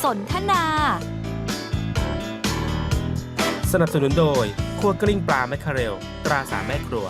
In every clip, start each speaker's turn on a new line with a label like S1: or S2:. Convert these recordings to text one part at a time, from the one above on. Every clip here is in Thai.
S1: สนทนา
S2: สนับสนุนโดยครัวกลิ้งปลาแมคเคาเรลตราสามแม่ครัว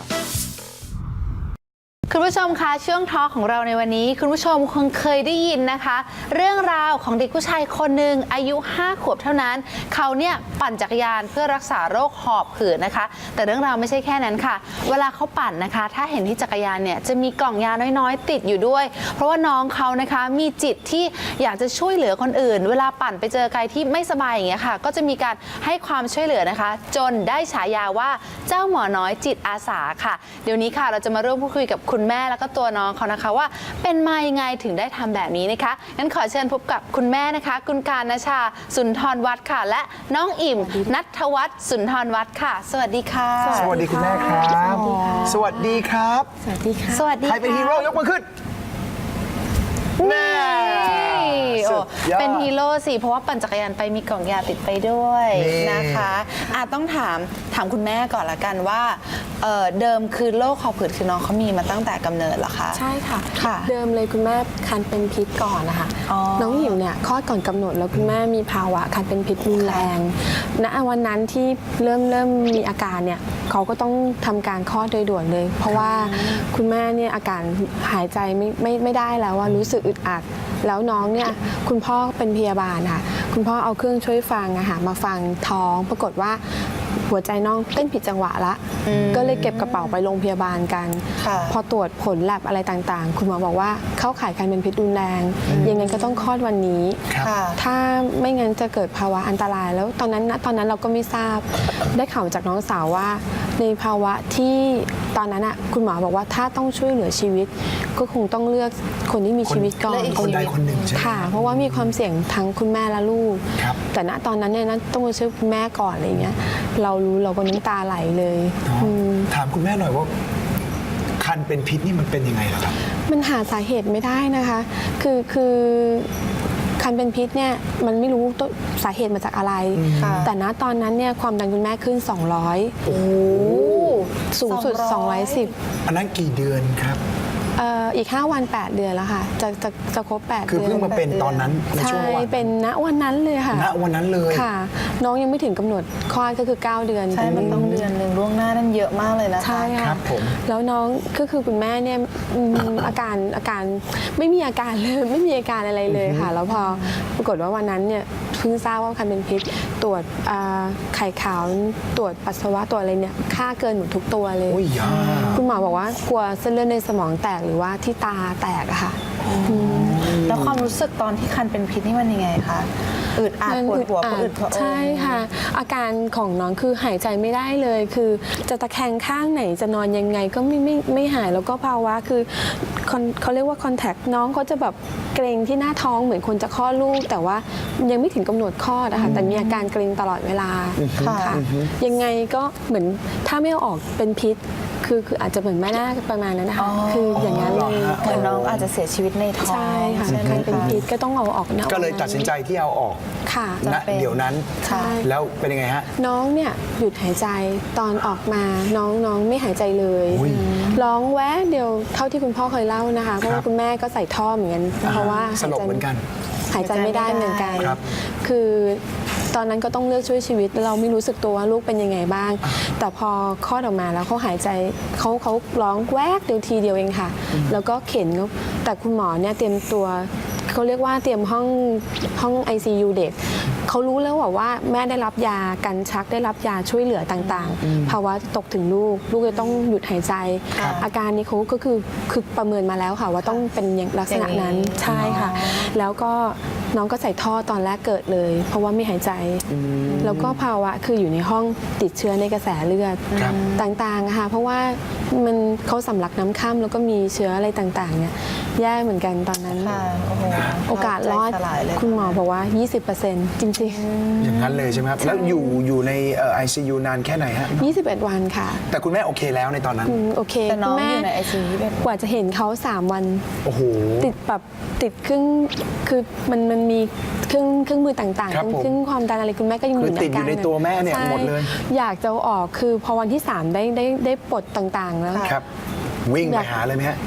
S3: คุณผู้ชมคะช่วงทอล์กของเราในวันนี้คุณผู้ชมคงเคยได้ยินนะคะ เรื่องราวของเด็กผู้ชายคนหนึ่งอายุ 5 ขวบเท่านั้นเขาเนี่ยปั่นจักรยานเพื่อรักษาโรคหอบหืดนะคะแต่เรื่องราวไม่ใช่แค่นั้นค่ะเวลาเขาปั่นนะคะถ้าเห็นที่จักรยานเนี่ยจะมีกล่องยาน้อยๆติดอยู่ด้วยเพราะว่าน้องเขานะคะมีจิตที่อยากจะช่วยเหลือคนอื่นเวลาปั่นไปเจอใครที่ไม่สบายอย่างเงี้ยค่ะก็จะมีการให้ความช่วยเหลือนะคะจนได้ฉายาว่าเจ้าหมอน้อยจิตอาสาค่ะเดี๋ยวนี้ค่ะเราจะมาร่วมพูดคุยกับคุณแม่แล้วก็ตัวน้องเขานะคะว่าเป็นมายังไงถึงได้ทำแบบนี้นะคะงั้นขอเชิญพบกับคุณแม่นะคะคุณการณชาสุนทรวัฒน์ค่ะและน้องอิ่มณัฐวัฒน์สุนทรวัฒน์ค่ะสวัสดีค่ะ
S4: สวัสดีคุณแม่ครับสวัสดีครับ
S3: สวัสดีค่ะสวัสดี
S4: ใครเป็นฮีโร่ยกมือขึ้นแม่
S3: เป็นฮีโร่สิเพราะว่าปั่นจักรยานไปมีกล่องยาติดไปด้วยนะคะต้องถามคุณแม่ก่อนละกันว่าเดิมคือโรคหอบหืดคือน้องเขามีมาตั้งแต่กำเนิดเหรอคะ
S5: ใช่ค่ะเดิมเลยคุณแม่คันเป็นพิษก่อนนะคะน้องหิวเนี่ยคลอดก่อนกำหนดแล้วคุณแม่มีภาวะคันเป็นพิษรุนแรงณวันนั้นที่เริ่มมีอาการเนี่ยเขาก็ต้องทำการคลอดโดยด่วนเลยเพราะว่าคุณแม่เนี่ยอาการหายใจไม่ได้แล้วว่ารู้สึกอึดอัดแล้วน้องเนี่ยคุณพ่อเป็นพยาบาลค่ะคุณพ่อเอาเครื่องช่วยฟังมาฟังท้องปรากฏว่าหัวใจน้องเต้นผิดจังหวะละก็เลยเก็บกระเป๋าไปโรงพยาบาลกันพอตรวจผลแลบอะไรต่างๆคุณหมอบอกว่าเข้าข่ายการเป็นพิษรุนแรงยังไงก็ต้องคลอดวันนี้ถ้าไม่งั้นจะเกิดภาวะอันตรายแล้วตอนนั้นเราก็ไม่ทราบได้ข่าวจากน้องสาวว่าในภาวะที่ตอนนั้นคุณหมอบอกว่าถ้าต้องช่วยเหลือชีวิตก็คงต้องเลือกคนที่มีชีวิตก่อน
S4: คนใดคนหนึ่งใช่ไหม
S5: ค่ะเพราะว่ามีความเสี่ยงทั้งคุณแม่และลูกแต่ณตอนนั้นเนี่ยต้องมาช่วยคุณแม่ก่อนอะไรเงี้ยเรารู้เราก็น้ำตาไหลเลย
S4: ถามคุณแม่หน่อยว่าคันเป็นพิษนี่มันเป็นยังไงล่ะครับ
S5: มันหาสาเหตุไม่ได้นะคะคือคันเป็นพิษเนี่ยมันไม่รู้ต้นสาเหตุมาจากอะไรแต่ณตอนนั้นเนี่ยความดันคุณแม่ขึ้น200สูงสุด210
S4: อันนั้นกี่เดือนครับ
S5: อีก5 วัน 8 เดือนแล้วค่ะจะครบ8 เดือน
S4: คือเพิ่งมาเป็นตอนนั้นในช่วงวัน
S5: ใช่เป็นณวันนั้นเลยค่ะ
S4: ณวันนั้นเลย
S5: ค่ะน้องยังไม่ถึงกำหนดคลอดก็คือ9 เดือน
S3: ใช่มันต้องเดือนหนึ่งล่วงหน้านั่นเยอะมากเลยนะคะ
S5: ใช่ค่ะแล้วน้องก็คือคุณแม่เนี่ยอาการไม่มีอาการเลยไม่มีอาการอะไรเลยค่ะแล้วพอปรากฏว่าวันนั้นเนี่ยเพิ่งทราบว่าคันเป็นพิษตรวจไข่ขาวตรวจปัสสาวะตรวจอะไรเนี่ยค่าเกินหมดทุกตัวเลยคุณหมอบอกว่ากลัวเส้นเลือดในสมองแตกหรือว่าที่ตาแตกอะค่ะ
S3: แล้วความรู้สึกตอนที่คันเป็นพิษนี่มันยังไงคะอึดอัดปวดหัวอึด
S5: ใช่ค่ะอาการของน้องคือหายใจไม่ได้เลยคือจะตะแคงข้างไหนจะนอนยังไงก็ไม่หายแล้วก็ภาวะคือเขาเรียกว่าคอนแทคน้องเขาจะแบบเกร็งที่หน้าท้องเหมือนคนจะคลอดลูกแต่ว่ายังไม่ถึงกำหนดคลอดนะคะแต่มีอาการเกร็งตลอดเวลาค่ะยังไงก็เหมือนถ้าไม่เอาออกเป็นพิษคืออาจจะเหมือนแม่นาคประมาณนั้นนะคะคืออย่างนั้นเลย
S3: เหมือนน้องอาจจะเสียชีวิตในท้อง
S5: ใช่ค่ะการเป็นพิษก็ต้องเอาออก
S4: ก็เลยตัดสินใจที่เอาออก
S5: ค่ะ
S4: ณเดี๋ยวนั้นแล้วเป็นยังไงฮะ
S5: น้องเนี่ยหยุดหายใจตอนออกมาน้องไม่หายใจเลยร้องแวะเดียวเท่าที่คุณพ่อเคยเล่านะคะเพราะว่าคุณแม่ก็ใส่ท่อเหมือนกันเพราะว่า
S4: สลบเหมือนกัน
S5: หายใจไม่ได้เหมือนกันคือตอนนั้นก็ต้องเลือกช่วยชีวิตเราไม่รู้สึกตัวว่าลูกเป็นยังไงบ้างแต่พอคลอดออกมาแล้วเขาหายใจเขาร้องแวกเดียวทีเดียวเองค่ะแล้วก็เข็นแต่คุณหมอเนี่ยเตรียมตัวเขาเรียกว่าเตรียมห้อง ICU เด็กเขารู้แล้วว่าแม่ได้รับยากันชักได้รับยาช่วยเหลือต่างๆภาวะตกถึงลูกจะต้องหยุดหายใจอาการนี้เขาก็คือประเมินมาแล้วค่ะว่าต้องเป็นอย่างลักษณะนั้นใช่ค่ะแล้วก็น้องก็ใส่ท่อตอนแรกเกิดเลยเพราะว่าไม่หายใจแล้วก็ภาวะคืออยู่ในห้องติดเชื้อในกระแสเลือดต่างๆค่ะเพราะว่าเขาสำลักน้ำค่ำแล้วก็มีเชื้ออะไรต่างๆเนี่ยแย่เหมือนกันตอนนั้นโอกาสรอดคุณหมอบอกว่า 20% จริง
S4: ๆอย่างนั้นเลยใช่ไหมครับแล้วอยู่ใน ICU นานแค่ไหนฮะ
S5: 21 วันค่ะ
S4: แต่คุณแม่โอเคแล้วในตอนนั้น
S5: โอเค
S3: แต่น้องอยู่ใน ICU
S5: กว่าจะเห็นเขา3 วัน
S4: โอ้โห
S5: ติดเครื่องคือมันมีเครื่องมือต่างๆเครื่องความดันอะไรคุณแม่ก็ยังอยู่ใน
S4: ติดอยู่ในตัวแม่เนี่ยหมดเลย
S5: อยากจะออกคือพอวันที่3ได้ปลดต่างๆแล้ว
S4: ครับวิ่งไปหาเลยไหมฮะ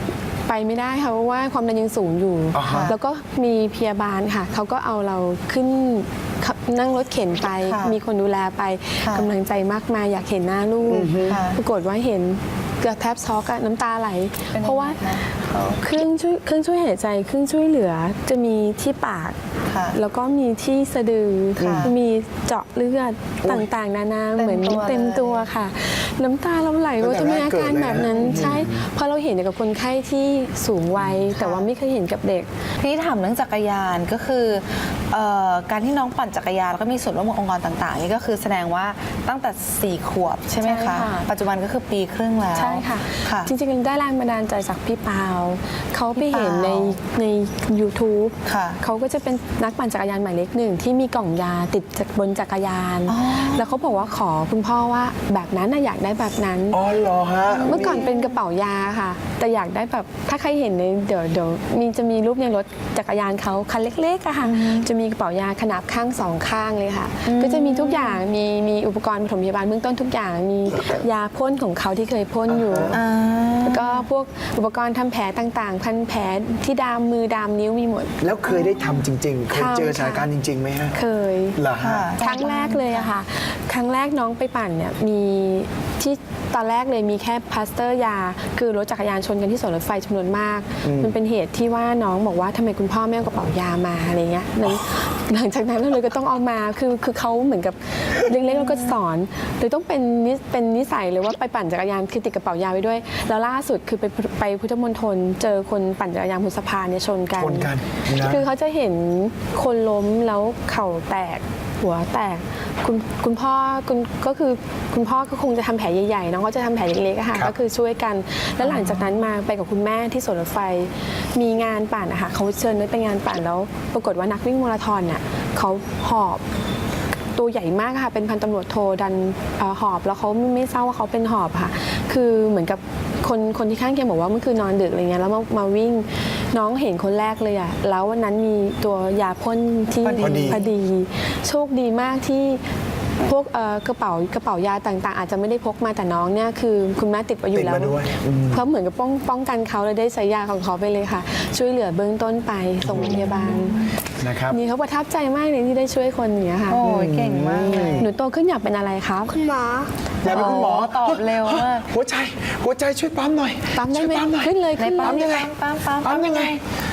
S5: ไปไม่ได้ค่ะเพราะว่าความดันยังสูงอยู่
S4: อ่าฮะ
S5: แล้วก็มีพยาบาลค่ะเขาก็เอาเราขึ้นนั่งรถเข็นไป
S3: ค่ะ
S5: มีคนดูแลไป
S3: ค่ะ
S5: กำลังใจมากมายอยากเห็นหน้าลูก
S3: ค่ะ
S5: ปรากฏว่าเห็นเกือบแทบช็อกอะน้ำตาไหล
S3: เป็นยังไง
S5: เพราะว่า
S3: คะเขา
S5: เครื่องช่วยหายใจเครื่องช่วยเหลือจะมีที่ปาก
S3: ค่ะ
S5: แล้วก็มีที่สะดือ
S3: ค่ะ
S5: มีเจาะเลือดต่างๆ นานา
S3: เต็ม
S5: เหมือน
S3: ตัว
S5: เต็ม
S3: เลย
S5: ตัวค่ะ น้ำตาเราไหลว่าจะมีอาการแบบนั้นใช่เพราะเราเห็นกับคนไข้ที่สูงวัยแต่ว่าไม่เคยเห็นกับเด็ก
S3: ที่ถามเรื่องจักรยานก็คือการที่น้องปั่นจักรยานแล้วก็มีส่วนร่วมกับองค์กรต่างๆนี่ก็คือแสดงว่าตั้งแต่ 4 ขวบใช่ไหม
S5: ใช่
S3: คะ
S5: ค่ะ
S3: ปัจจุบันก็คือปีครึ่งแล้ว
S5: ใช่ค่ะ
S3: ค่ะ
S5: จริงๆได้แรงบันดาลใจจากพี่ปาวเขาไปเห็นใน YouTube
S3: ค่ะ
S5: เขาก็จะเป็นนักปั่นจักรยานหมายเลขหนึ่งที่มีกล่องยาติดบนจักรยาน
S3: อ๋อ
S5: แล้วเขาบอกว่าขอคุณพ่อว่าแบบนั้นน่ะอยากได้แบบนั้น
S4: อ๋อเหรอฮะ
S5: เมื่อก่อนเป็นกระเป๋ายาค่ะ แต่อยากได้แบบถ้าใครเห็นในเดี๋ยวจะมีรูปในรถจักรยานเขาคันเล็กๆอะค่ะจะมีกระเป๋ายาขนาบข้างสองข้างเลยค่ะ ก็จะมีทุกอย่างมีอุปกรณ์ปฐมพยาบาลเบื้องต้นทุกอย่างมียาพ่นของเขาที่เคยพ่นอยู่ แล้วก็พวกอุปกรณ์ทำแผลต่างๆ พันแผลที่ดามมือดามนิ้วมีหมด
S4: แล้วเคยได้ทำจริง ๆ เคยเจอสถานการณ์จริงๆไหมฮะ
S5: เคย
S4: เหรอฮะ
S3: ค่ะ
S5: ครั้งแรกเลยอะค่ะ ครั้งแรกน้องไปปั่นเนี่ยมีที่ตอนแรกเลยมีแค่พลาสเตอร์ยา คือรถจักรยานชนกันที่สวนรถไฟจำนวนมาก มันเป็นเหตุที่ว่าน้องบอกว่าทำไมคุณพ่อไม่เอากระเป๋ายามาอะไรเงี้ยหลังจากนั้นเราเลยก็ต้องเอามาคือเขาเหมือนกับเล็กๆเราก็สอนเลยต้องเป็นนิสัยเลยว่าไปปั่นจักรยานคือติดกระเป๋ายาไว้ด้วย แล้วล่าสุดคือไปพุทธมณฑลเจอคนปั่นจักรยานบนสะพานเนี่ยชนกัน
S4: ชนกันนะ
S5: คือเขาจะเห็นคนล้มแล้วเข่าแตกหัวแตกคุณพ่อก็คือคุณพ่อก็คงจะทำแผลใหญ่ๆน้องก็จะทำแผลเล็กๆอะค่ะ
S4: ครับ
S5: ก็คือช่วยกัน แล้วหลังจากนั้นมาไปกับคุณแม่ที่สวนรถไฟมีงานปั่นอะค่ะเขาเชิญนุ้ยไปงานปั่นแล้วปรากฏว่านักวิ่งมาราธอนน่ะเขาหอบตัวใหญ่มากค่ะเป็นพันตำรวจโทดันหอบแล้วเขาไม่ทราบว่าเขาเป็นหอบค่ะ คือเหมือนกับคนที่ข้างเคียงบอกว่าเมื่อคืนนอนดึกอะไรเงี้ยแล้วมาวิ่งน้องเห็นคนแรกเลยอะแล้ววันนั้นมีตัวยาพ่นที่
S4: พอดี
S5: โชคดีมากที่พวกกระเป๋ายาต่างๆ อาจจะไม่ได้พกมาแต่น้องเนี่ยคือคุณแม่ติดไว้อยู่แล้ว
S4: ติดมาด้วย
S5: เพราะเหมือนกับป้องกันเขาเลยได้ใช้ยาของเขาไปเลยค่ะ ช่วยเหลือเบื้องต้นไปส่งโรงพยาบาล
S4: นะครับ
S5: นี่เขาประทับใจมากเลยที่ได้ช่วยคนอย่างเงี้ยค่ะ
S3: โอ้ยเก่งมากเลย
S5: หนูโตขึ้นอยากเป็นอะไรครับ
S1: คุณหมอ
S4: อยากเป็นคุณหมอ
S3: ตอบเร็วมาก
S4: หัวใจช่วยปั๊มหน่อย
S5: ปั๊มได้ไหม
S4: ช่วยปั๊มหน่อย
S5: ขึ้นเลย
S3: ใน
S5: ขึ้นเล
S3: ปั๊ม
S5: ย
S4: ยังไง
S3: ปั๊มยังไง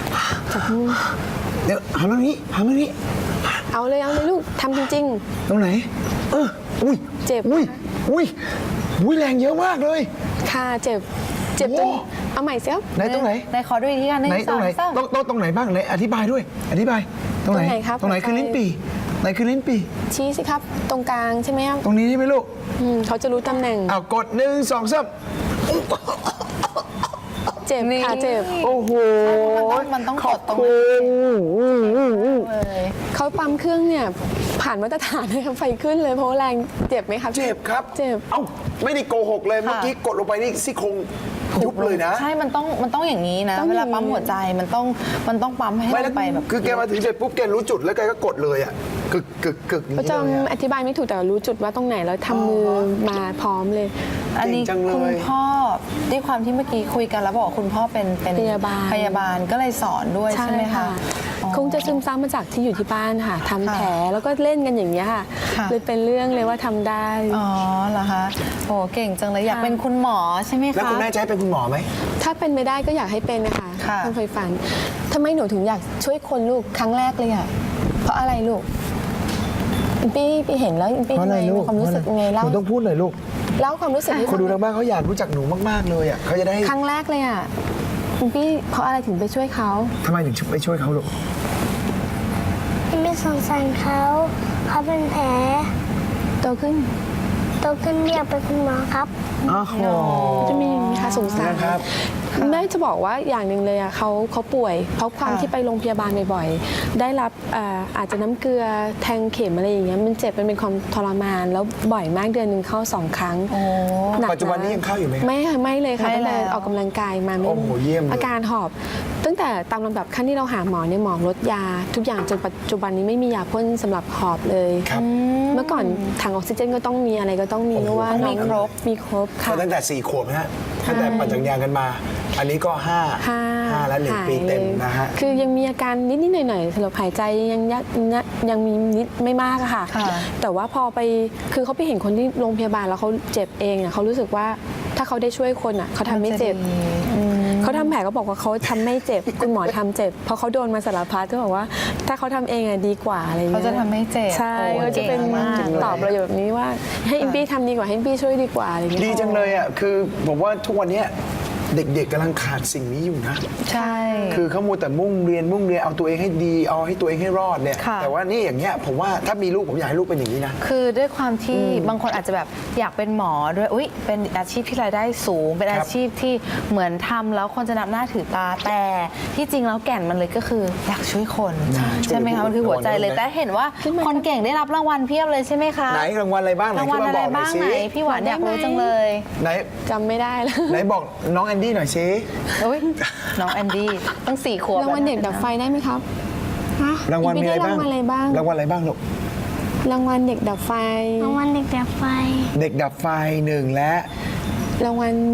S4: เดี๋ยวหันมาทางนี้หันมาทางนี้
S5: เอาเลยลูกทำจริง
S4: ตรงไหน อุ้ย
S5: เจ็บ
S4: อุ้ยแรงเยอะมากเลย
S5: ๆค่ะเจ็บจน
S4: โอ้
S5: เอาใหม่เสีย
S4: ไหนตรงไหน
S3: ในขอดูอีกทีกัน
S4: ไหนตรงไหน
S3: สาม
S4: ตรงไหนบ้างไหนอธิบายด้วย อธิบายตรงไหน
S5: ตรงไหนครับ
S4: ตรงไหนคือลิ้นปี่ไหนคือลิ้นปี่
S5: ชี้สิครับตรงกลางใช่ไหมครับ
S4: ตรงนี้ใช่ไหมลูก
S5: เขาจะรู้ตำแหน่ง
S4: อ้าวกด1 2 3
S5: เจ็บค่ะเจ็บ
S4: โอ้โห
S3: มันต้องกดตรง
S4: ขอบ
S3: นี้
S4: คุณ
S3: เลย
S5: เขาปั๊มเครื่องเนี่ยผ่านมาตรฐานเลยครับไฟขึ้นเลยเพราะว่าแรงเจ็บไหมครับ
S4: เจ็บครับ
S5: เจ็บ
S4: เอ้าไม่ได้โกหกเลยเมื่อกี้กดลงไปนี่ซี่โครงยุบเลยนะ
S3: ใช่มันต้องอย่างนี้นะ
S5: ต้อง
S3: เว
S5: อย่างนี้
S3: ลาปั๊มหัวใจมันต้องปั๊มให้
S4: ไม่
S3: ล
S4: แล้ว
S3: งไปแบบ
S4: คือแกมาถึงเสร็จปุ๊บแกรู้จุดแล้วแกก็กดเลยอ่ะกึกอย่าง
S5: ก็
S4: นี้
S5: จะ
S4: เลยอะ
S5: อธิบายไม่ถูกแต่รู้จุดว่าตรงไหนแล้วทำมือมาพร้อมเลย
S3: อันนี้
S4: เก่งจังเลย
S3: คุณพ่อด้วยความที่เมื่อกี้คุยกันแล้วบอกว่าคุณพ่อเป็น
S5: พยาบาล
S3: ก็เลยสอนด้วยใช่ไหมคะอ๋อ
S5: คงจะซึมซับมาจากที่อยู่ที่บ้านค่ะทำแผลแล้วก็เล่นกันอย่างเงี้ยค่ะ
S3: ค่ะ
S5: เลยเป็นเรื่องเลยว่าทำได้
S3: อ๋อเหรอคะโอ้เก่งจังเลยอยากเป็นคุณหมอใช่ไหมคะ
S4: แล้วคุณแม่จะให้เป็นคุณหมอไหม
S5: ถ้าเป็นไม่ได้ก็อยากให้เป็นนะคะ
S3: ค่ะ
S5: ต้องเคยฝันทำไมหนูถึงอยากช่วยคนลูกครั้งแรกเลยอ่ะเพราะอะไรลูกพี่เห็นแล้วพี่
S4: เพราะอะไรลูก
S5: ความรู้สึกยังไง
S4: ห
S5: เล่า
S4: นูต้องพูดหน่อยลูก
S5: เล่าความรู้สึกให้
S4: คนดูทางบ้านเขาอยากรู้จักหนูมากๆเลยอ่ะเขาจะได้
S5: ครั้งแรกเลยอ่ะพี่เพราะอะไรถึงไปช่วยเขา
S4: ทำไมถึงไปช่วยเขาลูก
S1: ไม่สงสารเขาเป็นแผล
S5: โตขึ้น
S1: โตขึ้นอยากเป็นคุณหมอครับ
S4: อ้าวโห
S5: จะมีอย่างนี้ค่ะสงสาร
S4: นะครับ
S5: แม่จะบอกว่าอย่างหนึ่งเลยอ่ะเขาป่วยเพราะความ
S3: ค่ะ
S5: ที่ไปโรงพยาบาลบ่อยๆได้รับอาจจะน้ำเกลือแทงเข็มอะไรอย่างเงี้ยมันเจ็บมันเป็นความทรมานแล้วบ่อยมากเดือนหนึ่งเข้า2 ครั้ง
S3: โอ้
S5: หนัก
S4: ปัจจุบันนี้ยังเข้าอยู่ไหมครับ
S5: ไม่ค่ะไม่เลยค่ะ
S3: ไม่
S5: ตั้งแต่
S3: แล้ว
S5: ออกกำลังกายมา
S4: โอ้โหเยี่ยมเลย
S5: อาการหอบ ตั้งแต่ตามลำดับขั้นที่เราหาหมอเนี่ยหมอลดยา ทุกอย่างจนปัจจุบันนี้ไม่มียาพ่นสำหรับหอบเลย
S4: ครับ
S5: เมื่อก่อนถังออกซิเจนก็ต้องมีอะไรก็ต้องมี
S4: โอ้โห
S5: เพราะว่า
S3: ต้อง
S5: น้
S3: มี
S5: อง
S3: ครบ
S5: มีครบค่ะ
S4: ก็ตั้งแต่4 ขวบนะฮะตั้งแต่ปั่นจักรยานกันมาอันนี้ก็5และ1 ปีเต็มนะฮะ
S5: คือยังมีอาการนิดๆหน่อยๆสำหรับหายใจยังมีนิดไม่มากอะค่ะ
S3: ค่ะ
S5: แต่ว่าพอไปคือเขาไปเห็นคนที่โรงพยาบาลแล้วเขาเจ็บเองอะเขารู้สึกว่าถ้าเขาได้ช่วยคนอะเขาทำไม่เจ็บ เขาทำแผลก็บอกว่าเขาทำไม่เจ็บ คุณหมอทำเจ็บ เพราะเขาโดนมาสารพัดก็บอกว่า ถ้าเขาทำเองอะดีกว่าอะไรอย่าง
S3: เขา
S5: เงี้ย
S3: จะทำให้เจ็บ
S5: ใช่
S3: โอ้
S5: ก็จะเป็น
S3: ก่งมาก
S5: ตอบประโยชน์แบบนี้ว่าให้อิมปี้ทำดีกว่าให้อิมปี้ช่วยดีกว่าอะไรอย่างเงี้ย
S4: ดีจังเลยอ่ะคือผมว่าทุกวันเนี้ยเด็กๆกำลังขาดสิ่งนี้อยู่นะ
S3: ใช่
S4: คือเขามัวแต่มุ่งเรียนเอาตัวเองให้ดีเอาให้ตัวเองให้รอดเนี่ย
S3: ค่ะ
S4: แต่ว่านี่อย่างเงี้ยผมว่าถ้ามีลูกผมอยากให้ลูกเป็นอย่างนี้นะ
S3: คือด้วยความที่บางคนอาจจะแบบอยากเป็นหมอด้วยอุ๊ยเป็นอาชีพที่รายได้สูง เป็นอาชีพที่เหมือนทำแล้วคนจะนับหน้าถือตาแต่ที่จริงแล้วแก่นมันเลยก็คืออยากช่วยคน ใช่ไหมคะมันคือหัวใจเลยแต่เห็นว่าคนเก่งได้รับรางวัลเพียบเลยใช่ไหมคะ
S4: ไหนรางวัลอะไรบ้างไหน
S3: รางวัล
S4: ขึ้น
S3: อะ
S4: มา
S3: ไร
S4: บอกหน่อย
S3: บ้าง
S4: สิ
S3: ไหนพี่หวานอยากรู้จังเลย
S4: ไหน
S5: จำไม่ได้แล้ว
S4: ไหนบอกน้องแอนดี้หน่อยสิ
S3: อุ๊ยน้องแอนดี้ตั้ง4 ขวบ
S5: รางวัลเด็กดับไฟได้ไหมครับ
S4: รางวัลมีอะไรบ้าง
S5: รางวัลอะไรบ้าง
S4: รางวัลอะไรบ้างลูก
S5: รางวัลเด็กดับไฟ
S1: รางวัลเด็กดับไฟ
S4: เด็กดับไฟ1และ
S5: รางวัล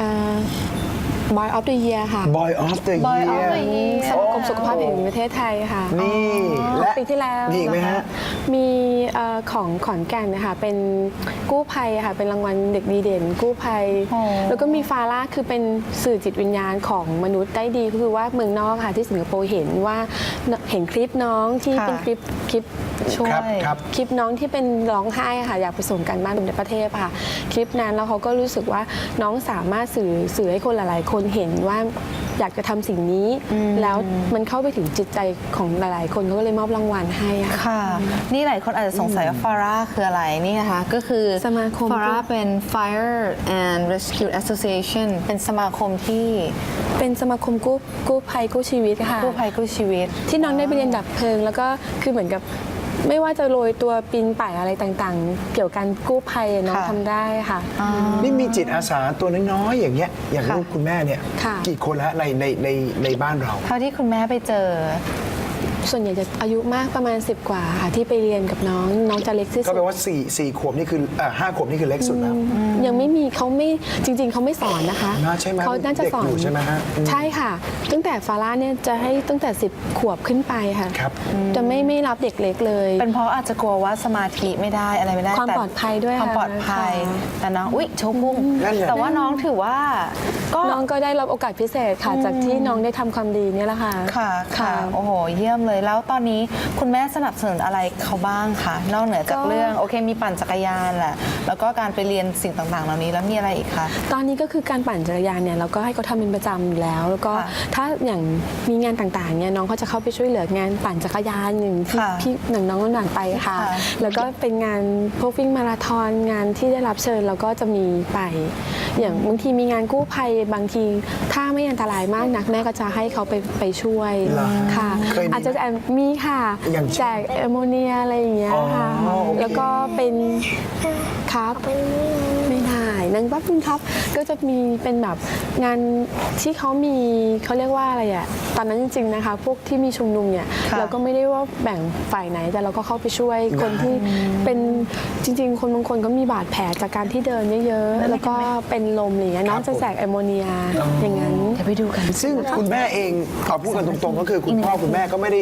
S5: Boy of the Year ค่ะ
S4: Boy of the
S3: Boy of
S4: Year
S3: the Year
S5: สมาคมสุขภาพแห่งประเทศไทยค่ะ
S4: นี่และ
S5: ปีที่แล้ว
S4: มีอีกไหมฮะ
S5: มีของขอนแก่นนะคะเป็นกู้ภัยค่ะเป็นรางวัลเด็กดีเด่น กู้ภัย
S3: อ๋อ
S5: แล้วก็มีฟาร่าคือเป็นสื่อจิตวิญญาณของมนุษย์ได้ดีก็คือว่าเมืองนอกค่ะที่สิงคโปร์เห็นว่าเห็นคลิปน้องที่เป็นคลิป
S3: ช่วย
S4: ครับ
S5: คลิปน้องที่เป็นร้องไห้ค่ะอยากไปส่งกันบ้านในประเทศค่ะคลิปนั้นแล้วเขาก็รู้สึกว่าน้องสามารถสื่อให้คนหลายๆคนเห็นว่าอยากจะทำสิ่งนี้ แล้วมันเข้าไปถึงจิตใจของหลายๆคนเขาก็เลยมอบรางวัลให้อะค่ะ
S3: ค่ะ นี่หลายคนอาจจะสงสัยว่าฟาร่าคืออะไรนี่นะคะก็คือ
S5: สมาคม
S3: ฟาร่าเป็น Fire and Rescue Association เป็นสมาคมที่
S5: เป็นสมาคมกู้ภัยกู้ชีวิตค่ะ
S3: กู้ภัยกู้ชีวิต
S5: ที่น้องได้ไปเรียนดับเพลิง แล้วก็คือเหมือนกับไม่ว่าจะโรยตัวปีนป่ายอะไรต่างๆ เกี่ยวกับการกู้ภัยน้อง
S3: ค่ะ
S5: ทำได้ค่ะ
S4: นี่มีจิตอาสาตัวน้อยๆอย่างเงี้ยอย่าง
S3: ค่ะ
S4: ลูกคุณแม่เนี่ย
S5: ค่ะ
S4: กี่คนแล้วในบ้านเรา
S3: เท่าที่คุณแม่ไปเจอ
S5: ส่วนใหญ่จะอายุมากประมาณ10 กว่าค่ะที่ไปเรียนกับน้องจะเล็กที่
S4: ก็
S5: สุด
S4: แปลว่า4 ขวบนี่คือ5 ขวบนี่คือเล็กสุดแล้ว
S5: ยังไม่มีเขาไม่จริง ๆเขาไม่สอนนะคะ
S4: น่าใช่ไหม
S5: เขาน่าจะสอน
S4: เด็กอยู่ใช่ไหมฮะ
S5: ใช่ค่ะ ตั้งแต่ฟาร่าเนี่ยจะให้ตั้งแต่10 ขวบขึ้นไปค่ะ
S4: ครับ
S5: จะไม่รับเด็กเล็กเลย
S3: เป็นเพราะอาจจะกลัวว่าสมาธิไม่ได้อะไรไม่ได้
S5: ความ
S3: แต่
S5: ปลอดภัยด้วย
S3: ความปลอดภัย
S5: ค่ะ
S3: แต่น้องอุ๊ยโชว์พุ่ง
S4: นั่นไง
S3: แต่ว่าน้องถือว่าก็
S5: น้องก็ได้รับโอกาสพิเศษค่ะ จากที่น้องได้ทำความดีเนี่ยแหละค่ะ
S3: ค่ะค่ะ โอ้โห เยี่ยมเลย แล้วตอนนี้คุณแม่สนับสนุนอะไรเขาบ้างคะนอกเหนือจาก
S5: ก็
S3: เรื่องโอเคมีปั่นจักรยานแหละแล้วก็การไปเรียนสิ่งต่างๆ เหล่านี้แล้วมีอะไรอีกคะ
S5: ตอนนี้ก็คือการปั่นจักรยานเนี่ยเราก็ให้เขาทำเป็นประจำอยู่แล้ว แล้วก็
S3: ค่ะ
S5: ถ้าอย่างมีงานต่างๆเนี่ยน้องเขาจะเข้าไปช่วยเหลืองานปั่นจักรยานอย่างที่
S3: ค่ะ
S5: พี่หนังน้องหนังไปค่ะ
S3: ค่ะ
S5: แล้วก็เป็นงานพวกวิ่งมาราธอนงานที่ได้รับเชิญเราก็จะมีไป อย่างบางทีมีงานกู้ภัยบางทีถ้าไม่อันตรายมากนักแม่ก็จะให้เขาไปช่วย
S4: เหรอ
S5: ค่ะ
S4: เคยมี
S5: อาจจะมีค่ะ
S4: อย่างเช่น
S5: แจกแอมโมเนียอะไรอย่างเงี้ยค่ะ
S4: อ๋อโอเค
S5: แล้วก็เป็นครับ ไม่ได้นางแป๊บนึงครับ ก็จะมีเป็นแบบงานที่เขามีเขาเรียกว่าอะไรอะตอนนั้นจริงๆนะคะ พวกที่มีชุมนุมเนี่ย
S3: ค่ะ
S5: เราก็ไม่ได้ว่าแบ่งฝ่ายไหน แต่เราก็เข้าไปช่วยคนที่เป็นจริงๆ คนบางคนก็มีบาดแผลจากการที่เดินเยอะๆ แล้วก็เป็นลมอะไรอย่างเงี้ยน้องจะแจกแอมโมเนียอย่างนั้น
S3: เดี๋ยวไปดูกัน
S4: ซึ่งคุณแม่เองเอาพูดกันตรงๆ ก็คือคุณพ่อคุณแม่ก็ไม่ได้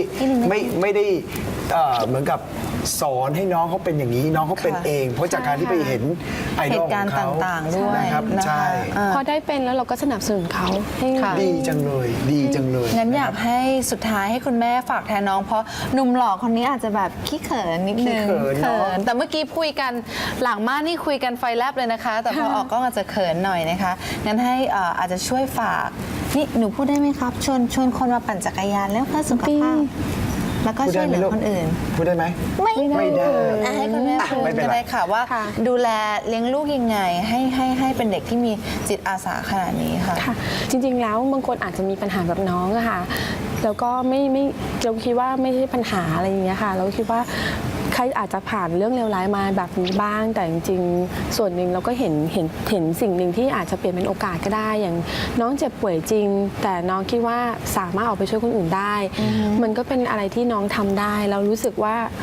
S4: เหมือนกับสอนให้น้องเขาเป็นอย่างนี้น้องเขาเป็น
S3: ค่ะ
S4: เอง เพราะจากการที่ไปเห็นไอ
S3: เห
S4: ดอล
S3: ตุ
S4: ข
S3: กา
S4: อ
S3: รง ณ์
S4: เขา
S3: ต่างๆด้วย
S4: นะครับ
S3: นะคะ
S4: ใช่
S5: พอได้เป็นแล้วเราก็สนับสนุนเขาให้
S3: ค่ะ
S4: ดีจังเลยดีจังเลย
S3: งั้นอยากให้สุดท้ายให้คุณแม่ฝากแทนน้อง เพราะหนุ่มหล่อคนนี้อาจจะแบบขี้เขินนิดนึง
S4: ขี้เขินเนอะ
S3: แต่เมื่อกี้คุยกันหลังม่านนี่คุยกันไฟแลบเลยนะคะ แต่พอออกก็อาจจะเขินหน่อยนะคะงั้นให้อาจจะช่วยฝากนี่หนูพูดได้ไหมครับชวนคนมาปั่นจักรยานแล้วเพื่อสุขภาพแล้วก็
S4: พูด
S3: ช่
S4: ได้
S3: วย
S4: ไห
S3: เห
S4: ม
S3: ลือ
S4: ลูก
S3: คนอื่น
S4: พูดได้ไหม ไม่ได้
S3: ให้คุณแม่พูด
S4: ไม่เป็น
S3: ก็
S4: ไร
S3: ได้ค่ะว่า
S5: ค่ะ
S3: ดูแลเลี้ยงลูกยังไงให้เป็นเด็กที่มีจิตอาสาขนาดนี้ค่ะ
S5: ค่ะจริงๆแล้วบางคนอาจจะมีปัญหาแบบน้องอะค่ะแล้วก็ไม่เราคิดว่าไม่ใช่ปัญหาอะไรอย่างเงี้ยค่ะเราคิดว่าใครอาจจะผ่านเรื่องเลวร้ายมาแบบนี้บ้าง แต่จริงๆส่วนหนึ่งเราก็เห็นสิ่งหนึ่งที่อาจจะเปลี่ยนเป็นโอกาสก็ได้ อย่างน้องเจ็บป่วยจริง แต่น้องคิดว่าสามารถออกไปช่วยคนอื่นได้ มันก็เป็นอะไรที่น้องทำได้เรารู้สึกว่าจ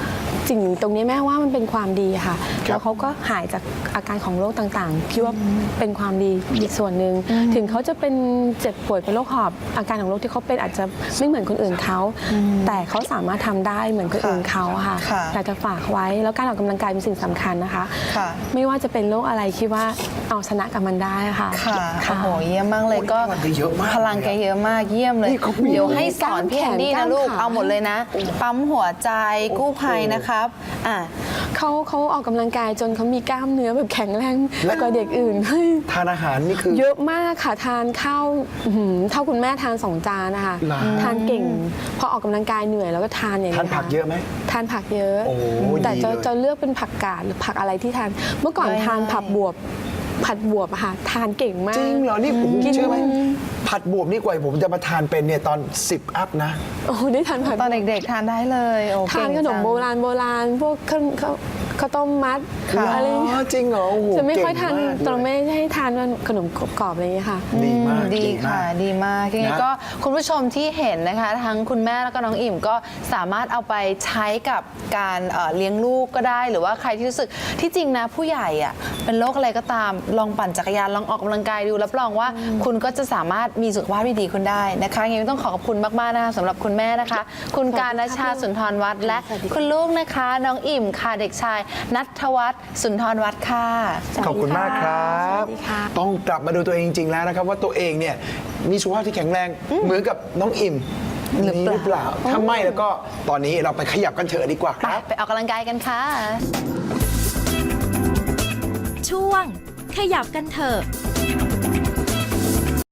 S5: สิ่งตรงนี้แม่ว่ามันเป็นความดีค่ะ แล้วเขาก็หายจากอาการของโรคต่างๆคิดว่าเป็นความดีอีกส่วนหนึ่งถึงเขาจะเป็นเจ็บป่วยเป็นโรคหอบอาการของโรคที่เขาเป็นอาจจะไม่เหมือนคนอื่นเขาแต่เขาสามารถทำได้เหมือนคนอื่นเขาค่ะ
S3: ค่ะ
S5: อยากจะฝากไว้แล้วการออกกำลังกายเป็นสิ่งสำคัญนะคะ
S3: ค่ะ
S5: ไม่ว่าจะเป็นโรคอะไรคิดว่าเอาชนะกับมันได้ค่ะ
S3: ค่ะโอ้โหเยี่ยมมากเลยก็
S4: พลังแกเยอะมาก
S3: พลังแกเยอะมากเยี่ยมเลย
S4: นี่เขามี
S3: เดี๋ยวให้สอนพี่แอนดี้นะลูก
S5: กล้ามแขน
S3: เอาหมดเลยนะ ปั๊มหัวใจกู้ภัยนะครับ
S5: เขาออกกำลังกายจนเขามีกล้ามเนื้อแบบแข็งแรงกว่าเด็กอื่น
S4: ทานอาหารนี่คือ
S5: เยอะมากค่ะทานข้าวเท่าคุณแม่ทาน2 จานนะคะ
S4: เหรอ
S5: ทานเก่งพอออกกำลังกายเหนื่อยแล้วก็ทานอย่าง
S4: ทาน
S5: นี้
S4: ผักเยอะไหม
S5: ทานผักเยอะ
S4: โอ้
S5: แต่
S4: ดีเลย
S5: จะเลือกเป็นผักกาดหรือผักอะไรที่ทานเมื่อก่อน
S3: ได้
S5: ทานผัดบวบอะค่ะทานเก่งมาก
S4: จริงเหรอนี่ผม
S5: กิน
S4: เชื่อไหมผัดบวบนี่กว่าผมจะมาทานเป็นเนี่ยตอน10 อัพนะ
S5: โอ้ได้ทานผัด
S3: ตอนเด็กๆทานได้เลยโอ้
S5: ทาน
S3: เก่ง
S5: ขนม
S3: จัง
S5: โบราณพวกข้าวต้มมัด
S3: ค่ะ
S5: อะไร
S4: อ๋อจริงเหรอโอ้โห
S5: จะไม่ค่อยทาน
S4: เก่งมากเลย
S5: ตอนไม่ให้ทานขนมกรอบๆอะไรอย่างเงี้ยค่ะ
S4: ดีมาก
S3: ดี
S4: เก่งมา
S3: ค่ะ
S4: ก
S3: ดีมากยังไง
S4: นะ
S3: ก็คุณผู้ชมที่เห็นนะคะ ทั้งคุณแม่แล้วก็น้องอิ่มก็สามารถเอาไปใช้กับการเลี้ยงลูกก็ได้ หรือว่าใครที่รู้สึกที่จริงนะผู้ใหญ่อะเป็นโรคอะไรก็ตามลองปั่นจักรยานลองออกกำลังกายดูรับรองว่าคุณก็จะสามารถมีสุขภาพที่ดีคุณได้นะคะยังไงต้องขอบคุณมากๆนะคะสำหรับคุณแม่นะคะ คุณการณชาสุนทรวัฒน์และคุณลูกนะคะน้องอิ่มค่ะเด็กชายณัฐวัฒน์สุนทรวัฒน์ค่ะ
S4: ขอบคุณมากครับ
S5: สวัสดีค่ะ
S4: ต้องกลับมาดูตัวเองจริงๆแล้วนะครับ ว่าตัวเองเนี่ยมีสุขภาพที่แข็งแรงเหมือนกับน้องอิ่ม
S3: หรือเปล่า
S4: หรือเปล่าถ้าไม่แล้วก็ตอนนี้เราไปขยับกันเถอะดีกว่าครับ
S3: ไปออกกำลังกายกันค่ะ
S6: ช่วงขยับกันเถอะ